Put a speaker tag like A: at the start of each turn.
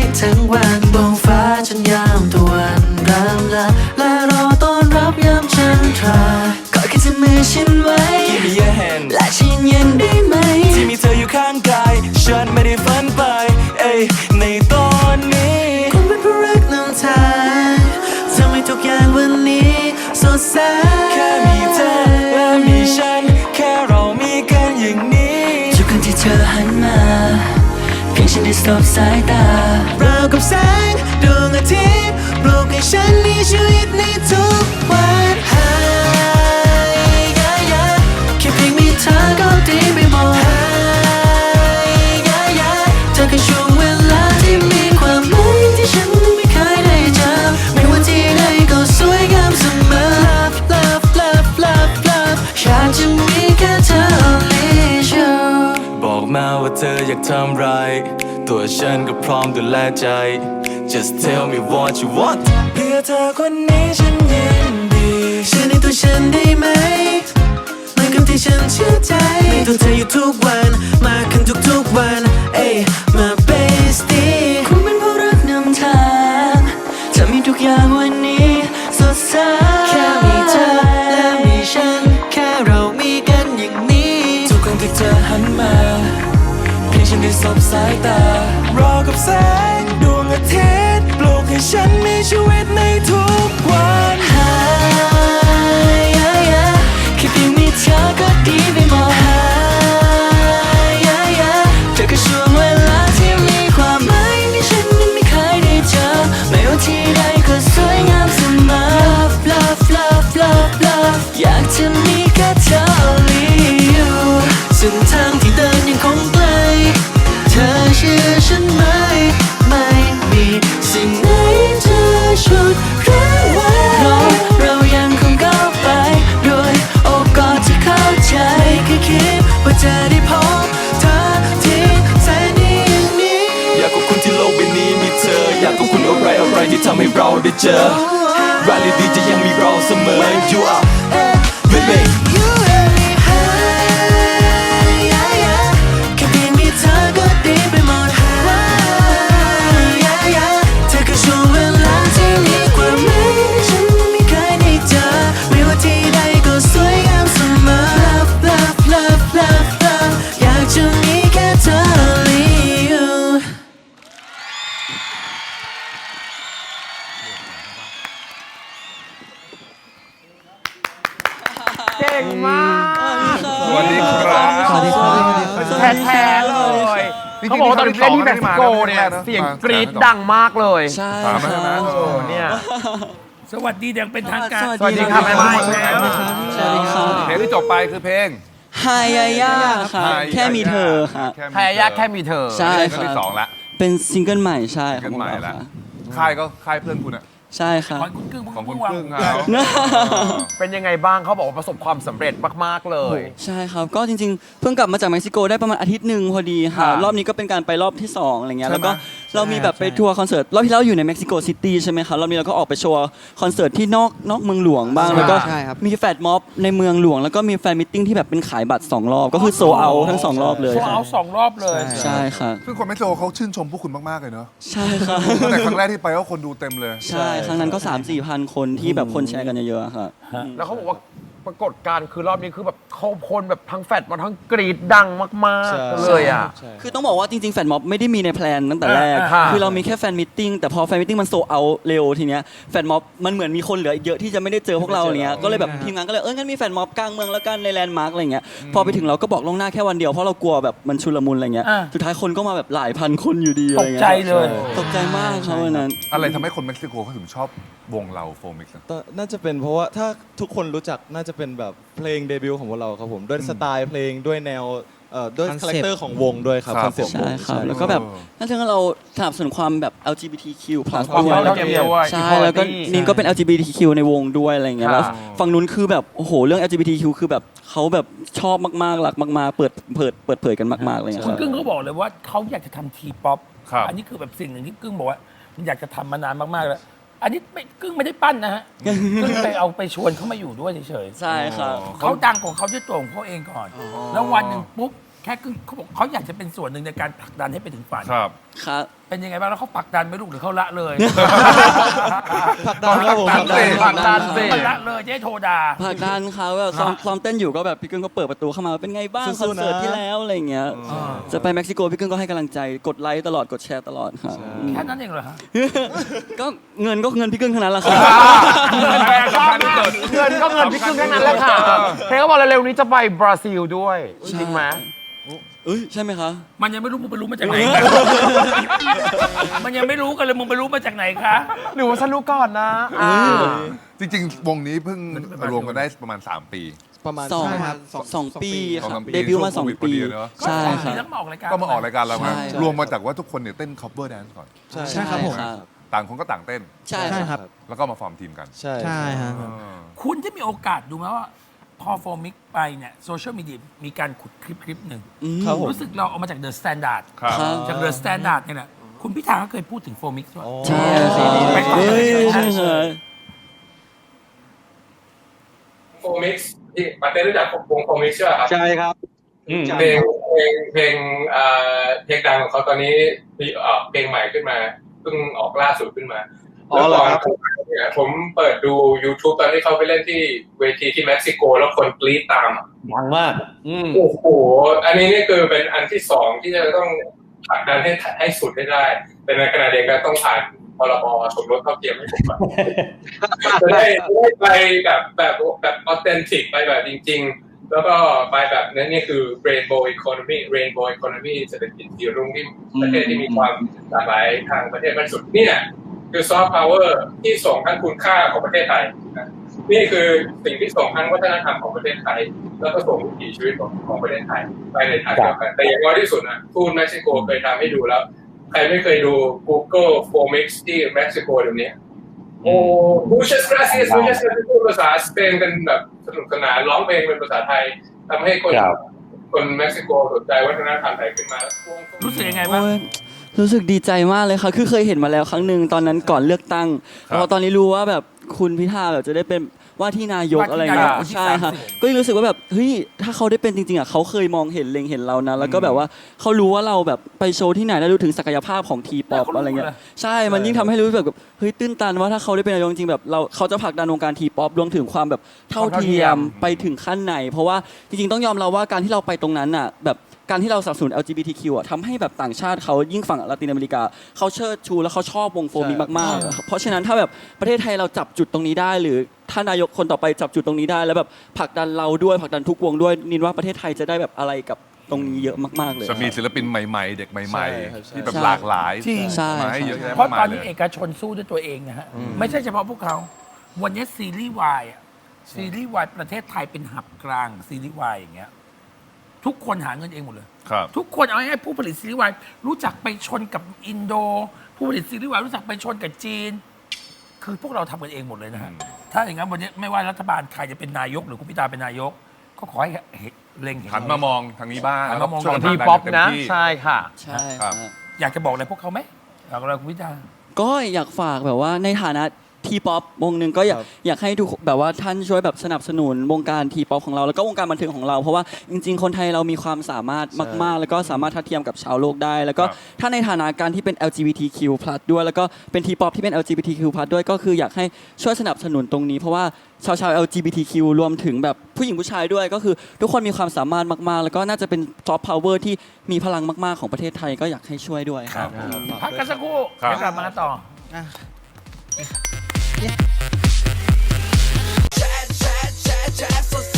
A: ทั้งวันบนฟ้าจนยามตะวันรำลาและรอต้อนรับยามจันทรากอดแค่จะมือฉันไว้
B: Give me your hand
A: และฉันเย็นได้ไหม
B: ที่มีเธออยู่ข้างกายฉันไม่ได้ฝันไปเอ้ยในตอนนี้
A: คงเป็นเพราะรักนำทางทำให้ทุกอย่างวันนี้สดใส
B: แค่มีเธอและมีฉันแค่เรามีกันอย่างนี้
A: ทุกครั้งที่เธอหันมาเพียงฉันได้สบสายตาราวกับแสงดวงอาทิตย์ปลุกให้ฉันมีชีวิตในทุกวันแค่เพียงมีเธอก็ดีไปหมดเธอคือช่วงเวลาที่มีความหมายที่ฉันไม่เคยได้เจอไม่ว่าที่ใดก็สวยงามเสมอ Love love love love อยากจะมีแค่เธอ only you
B: บอกมาว่าเธออยากทำไรตัวฉันก็พร้อมดูแลใจ Just tell me what you want เพื่อเธอคนนี้ฉันยินดี
A: เชื่อในตัวฉันได้ไหมเหมือนกับที่ฉันเชื่อใจในตัวเธออยู่ทุกวันมากขึ้นทุกวันเอ้ยมา bestie คงเป็นเพราะรักนำทางจะมีทุกอย่างวันนี้สดใสแค่มีเธอและมีฉันแค่เรามีกันอย่างนี้
B: ทุกครั้งที่เธอหันมาเพียงฉันได้สบสายตารอกับแสงดวงอาทิตย์ปลุกให้ฉันมีชีวิตในทุกวัน
A: แค่เพียงมีเธอก็ดีไปหมดเธอคือช่วงเวลาที่มีความหมายที่ฉันนั้นไม่เคยได้เจอไม่ว่าที่ใดก็สวยงามเสมอ Love love love love อยากจะมีแค่เธอ only you เส้นทางที่เดินยังคงไกลเธอเชื่อฉันไหมไม่มีสิ่งไหนจะฉุดรั้งไว้เรายังคงก้าวไปโดยโอบกอดที่เข้าใจแค่คิดว่าจะได้พบเธอที่แสนดีอย่างนี้
B: อยากขอบคุณที่โลกใบนี้มีเธออยากขอบคุณอะไรที่ทำให้เราได้เจอรายดีจะยังมีเราเสมอ You are with me
A: You and me high แค่เพียงมีเธอก็ดีไปหมดเธอคือช่วงเวลาที่มีความหมายที่ฉันไม่เคยได้เจอไม่ว่าที่ใดก็สวยงามเสมอ Love love love love อยากจะมีแค่เธอ only you
C: เก่งมาก
D: สวัสดีครับ
A: สวัสดีครับ
C: แท้ๆเลยเขาบอกว่าตอนเล่นที่เม็กซิโกเนี่ยเสียงกรี๊ดดังมากเลย
A: ใช่
D: ถามมาใช่ไหม
C: เนี่ย
E: สวัสดีอย่างเป็นทางการ
C: สวัสดีครับแม่ไม้
A: สวัสดีครับ
D: เพลงที่จบไปคือเพลง
A: ฮายาย่าค่ะแค่มีเธอค่ะ
C: แพ้ยากแค่มีเธอ
A: ใช่
D: เพลงที่สองละ
A: เป็นซิงเกิลใหม่ใช่
D: ซิง
A: ของ
D: เกิลใหม่
A: เรา
D: ละ
A: ค่ะ
D: ค่ายก็ค่ายเพื่อนคุณอะ
A: ใช่ค่ะ
E: ของคุณกึ้ง
D: ของคุณ
E: เพิ่งวาง
D: พึ่งเขา
C: เป็นยังไงบ้างเขาบอกว่าประสบความสำเร็จมากๆเลย
A: ใช่ครับก็จริงๆ เพิ่งกลับมาจากเม็กซิโกได้ประมาณอาทิตย์หนึ่งพอดีค่ะ
C: ค่ะ
A: รอบนี้ก็เป็นการไปรอบที่2อะไรเงี้ย
D: ใช่ไหม
A: แล้วก็เรามีแบบไปทัวร์คอนเสิร์ตรอบที่แล้วอยู่ในเม็กซิโกซิตี้ใช่ไหมครับรอบนี้เราก็ออกไปโชว์คอนเสิร์ตที่นอกเมืองหลวงบ้างแล้วก็
F: ใช่ครับ
A: มีแฟลตม็อบในเมืองหลวงแล้วก็มีแฟนมิทติ้งที่แบบเป็นขายบัตร2รอบก็คือโซเอาทั้ง2รอบเลย
E: โซ
A: ค่ะ
E: เอา2 รอบเลย
A: ใช่ค่ะ
D: ซึ่งคนเม็กซิโกเขาชื่นชมพวกคุณมากๆเลยเนอะ
A: ใช่ค่ะ
D: ตั้งแต่ครั้งแรกที่ไปก็คนดูเต็มเลย
A: ใช่ครั้งนั้นก็ 3-4 พันคนที่แบบคนแชร์กันเยอะๆค่ะ
C: แล้วเขาบอกว่าปรากฏการณ์คือรอบนี้คือแบบเขาคนแบบทั้งแฟดมาทั้งกรีดดังมากๆเลยอ่ะ
A: คือต้องบอกว่าจริงๆแฟนม็อบไม่ได้มีในแพลนตั้งแต่แรก
C: ค่ะ
A: คือเรามีแค่แฟนมิทติ้งแต่พอแฟนมิทติ้งมันโซเอาเร็วทีเนี้ยแฟนม็อบมันเหมือนมีคนเหลืออีกเยอะที่จะไม่ได้เจอพวกเราเนี้ยก็เลยแบบทีมงานก็เลยงั้นมีแฟนม็อบกลางเมืองแล้วกันในแลนด์มาร์กอะไรเงี้ยพอไปถึงเราก็บอกล่วงหน้าแค่วันเดียวเพราะเรากลัวแบบมันชุลมุนอะไรเงี้ย
E: อ่า
A: สุดท้ายคนก็มาแบบหลายพันคนอยู่ดีอะไรเงี้ย
E: ตกใจเลย
A: ตกใจมากครับวันนั้น
D: อะไรทำให้คนเม็กซิโกเขาถึงชอบวงเราโฟมิกซ์
G: น่าจะเป็นเพราะว่าถ้าทุกคนรู้จักน่าจะเป็นแบบเพลงเดบิวต์ของพวกเราครับผมด้วยสไตล์เพลงด้วยแนวด้วยคาแรคเตอร์ของวงด้วยครับคอนเซ็ปต์ว
A: ใช่
G: ง
A: ครับแล้วก็แบบนั่นคือเราสนับสนุนความแบบ LGBTQ+
C: ความ
A: ด้วย
C: เท่าเทียมด้วย
A: ใช่แล้วก็นินก็เป็น LGBTQ ในวงด้วยอะไรอย่างเงี้ย
C: ค่ะ
A: แล้วฝั่งนู้นคือแบบโอ้โหเรื่อง LGBTQ คือแบบเขาแบบชอบมากๆรักมากๆเปิดเผยกันมากๆเลย
E: คุณกึ้งเขาบอกเลยว่าเขาอยากจะทำทีป๊อป
D: ครับ
E: อันนี้คือแบบสิ่งหนึ่งที่กึ้งบอกว่ามันอยากจะทำมานานมากๆแล้ว อันนี้ไม่กึ้งไม่ได้ปั้นนะฮะกึ้งไปเอาไปชวนเขามาอยู่ด้วยเฉย
A: ใช่ครับ
E: ๆเขาดังของเขาด้วยตัวของเขาเองก่อน แล้ววันหนึ่งปุ๊บแค่กึ้งเขาบอกเขาอยากจะเป็นส่วนหนึ่งในการผลักดันให้ไปถึงฝัน
D: ครับ
A: ครับ
E: เป็นยังไงบ้างแล้วเขาผลักดันไหม่ลูกหรือเขาละเลย
G: ผลักดันครับผม
C: ผลักดัน
G: ผลักดัน
C: สิ
E: มันละเลยจะให้โทรด่า
A: ผลักดันเขาแบบซ้อมเต้นอยู่ก็แบบพี่กึ้งก็เปิดประตูเข้ามาเป็นไงบ้างค
G: สู้
A: อน
G: ๆนะ
A: เสิร์ตที่แล้วอะไรอย่างเงี้ยจะไปเม็กซิโกพี่กึ้งก็ให้กำลังใจกดไลค์ตลอดกดแชร์ตลอดครับ
E: แค่นั้นเองเหรอฮะ
A: ก็เงินพี่กึ้งทั้งนั้นแหละครับ
C: ชอบมากเงินก็เงินพี่กึ้งแค่นั้นแหละค่ะเฮ้ยเขาบอกเร็วๆนี้จะไปบราซิลด้วยจริงไหม
A: เอ้ยใช่ไหมคะ
E: มันยังไม่รู้มึงไปรู้มาจากไหนกัน มันยังไม่รู้กันเลยมึงไปรู้มาจากไหนคะ
C: หรือว่าฉันรู้ก่อนนะ
D: จริงๆ วงนี้เพิ่งรวมกันได้ประมาณ 3 ปี
G: ประมาณ
A: สอง
G: ใช่ครับ
A: สองปีค
D: สอง
A: รั
D: สา
A: บ
D: มปี
A: เดบิวต์มา
D: ช่วง
A: 2
D: โควิดพอ
A: ปี
D: ดีเนอะ
A: ใช่
E: ก็
A: ครับ
E: แล้วมาออกรายการ
D: ก็มาออกรายการเรามา
A: ใช่
D: รวมมาจากว่าทุกคนเนี่ยเต้น cover dance ก่อน
G: ใช่ครับผม
A: ครับ
D: ต่างคนก็ต่างเต้น
A: ใช่
G: ใช่ครับ
D: แล้วก็มาฟอร์มทีมกัน
G: ใช่
F: ใช่ฮะ
E: คุณที่มีโอกาสดูไหมว่าพอโฟมิกไปเนี่ยโซเชียลมีเดียมีการขุดคลิปหนึ่ง
G: ครับผม
E: รู้สึกเราเอามาจากเดอะสแตนดาร์ด
D: ครับ
A: ครับ
E: จากเดอะสแตนดาร์ดเนี่ยแหละคุณพิธาก็เคยพูดถึงโฟมิกด้วย
A: ใช่ครับ
E: ไปฟัง
A: เฮ้ย
E: เลย
A: ใช่ใช่
H: โฟมิกซ์ที่ปาเต้รู้จักวงโฟมิกซ์ใช่ไหมครับ
F: ใช่ครับ
H: เพลงดังของเขาตอนนี้มีเพลงใหม่ขึ้นมาเพิ่งออกล่าสุดขึ้นมาแล้วก่อนเนี่ยผมเปิดดู YouTube ตอนที่เขาไปเล่นที่เวทีที่เม็กซิโกแล้วคนกรี๊ดตามอะ
F: ดังมาก
H: โอ้โหอันนี้นี่คือเป็นอันที่สองที่จะต้องผลักดันให้สุดให้ได้ แต่ในขณะเดียวกันต้องผ่านพรบสมรสเท่าเทียมให้ผมก่อน จะได้ไปแบบออเทนติกไปแบบจริงๆ แล้วก็ไปแบบนั้นนี่คือ rainbow economy เศรษฐกิจสีรุ้งที่ประเทศที่มีความหลากหลายทางประเทศมากที่สุดนี่เนี่ยคือซอฟต์พาวเวอร์ที่ส่งทั้งคุณค่าของประเทศไทยนะนี่คือสิ่งที่ส่งทั้งวัฒนธรรมของประเทศไทย แล้วก็ส่งวิถีชีวิตของประเทศไทยไปในทางเดียวกันแต่อย่างน้อยที่สุดนะทูตเม็กซิโกเคยทำให้ดูแล้ว ใครไม่เคยดู Google Formix ที่เม็กซิโกเดี๋ยวนี้โอ้ muchas gracias พูดภาษาสเปนกันแบบสนุกสนานร้องเพลงเป็นภาษาไทยทำให้คนเม็กซิโกสนใจวัฒนธรรมไทยขึ้นมา
E: รู้สึกยังไงบ้าง
A: โอ้ยรู้สึกดีใจมากเลยค่ะคือเคยเห็นมาแล้วครั้งหนึ่งตอนนั้นก่อนเลือกตั้ง
D: ครับ
A: แล้วตอนนี้รู้ว่าแบบคุณพิธาแบบจะได้เป็นว่าที่นายกอะไรเงี้ย
E: ว่าที่นายกคนที่
A: ใช่ค่ะ
E: 30
A: ก็เลยรู้สึกว่าแบบเฮ้ยถ้าเขาได้เป็นจริงๆอ่ะเขาเคยมองเห็นเล็งเห็นเรานะแล้วก็แบบว่าเขารู้ว่าเราแบบไปโชว์ที่ไหนแล้วรู้ถึงศักยภาพของทีป๊อปอะไรเงี้ยใช่มันยิ่งทำให้รู้สึกแบบเฮ้ยตื้นตันว่าถ้าเขาได้เป็นนายกจริงๆแบบเขาจะผลักดันวงการทีป๊อปรวมถึงความแบบเท่าเทียมไปถึงขั้นไหน เพราะว่าจริงๆต้องยอมรับว่าการที่เราไปตรงนั้นอ่ะแบบการที่เราสนับสนุน LGBTQ อ่ะทำให้แบบต่างชาติเขายิ่งฝั่งละตินอเมริกาเขาเชิดชูและเขาชอบวงโฟมิกมากๆเพราะฉะนั้นถ้าแบบประเทศไทยเราจับจุดตรงนี้ได้ หรือถ้านายกคนต่อไปจับจุดตรงนี้ได้ แล้วแบบผลักดันเราด้วยผลักดันทุกวงด้วยนินว่าประเทศไทยจะได้แบบอะไรกับตรงนี้เยอะมากๆเลย
D: จะมีศิลปินใหม่ๆ เด็กใหม่
G: ใช่ครับ
D: ๆ ที่แบบหลากหลาย
E: จริง
A: ใช่
D: มาให้เยอะแยะ
E: เพราะ
D: มาก
E: ต
D: มา
E: อย น
D: เล
E: นี้
D: ย
E: เอกชนสู้ด้วยตัวเองนะฮะไม่ใช่เฉพาะพวกเขาวันนี้ซีรีส์วายอะซีรีส์วายประเทศไทยเป็นหับกลางซีรีส์วายอย่างเงี้ยทุกคนหาเงินเองหมดเลย
D: ครับ
E: ทุกคนเอาให้ผู้ผลิตซีรีส์วายรู้จักไปชนกับอินโด ผู้ผลิตซีรีส์วายรู้จักไปชนกับจีน คือพวกเราทำกันเองหมดเลยนะฮะถ้าอย่างนั้นวันนี้ไม่ว่ารัฐบาลใครจะเป็นนายกหรือคุณพิธาเป็นนายก ก็ขอให้เล็งเห็น
D: หันมามองทางนี้บ้าง
E: หันมามอง
D: ช่วย
C: ของ
D: กั
C: ที
D: ผลักดั
C: ป๊อป
D: เต็ม
C: นะ
D: ที่
C: ใช่ค่ะ
A: ใช่
D: ครับ
A: ครับ
E: อยากจะบอกอะไรพวกเขาไหมอยากอะไรคุณพิธา
A: ก็อยากฝากแบบว่าในฐานะทีป๊อปวงหนึ่งก็อยากให้ทุกแบบว่าท่านช่วยแบบสนับสนุนวงการทีป๊อปของเราแล้วก็วงการบันเทิงของเรา เพราะว่าจริงๆ คนไทยเรามีความสามารถมากๆ แล้วก็สามารถทัดเทียมกับชาวโลกได้ แล้วก็
D: ครับ
A: ถ้าในฐานะการที่เป็น LGBTQ+ ด้วยแล้วก็เป็นทีป๊อปที่เป็น LGBTQ+ ด้วยก็คืออยากให้ช่วยสนับสนุนตรงนี้ เพราะว่าชาว LGBTQ รวมถึงแบบผู้หญิงผู้ชายด้วยก็คือทุกคนมีความสามารถมากๆ แล้วก็น่าจะเป็นซอฟต์พาวเวอร์ที่มีพลังมากๆของประเทศไทยก็อยากให้ช่วยด้วยครับ
E: พักกันสักครู่
D: ครับ
E: เดี๋ยวกลับมาต่อ
B: Chat, chat, chat, chat, so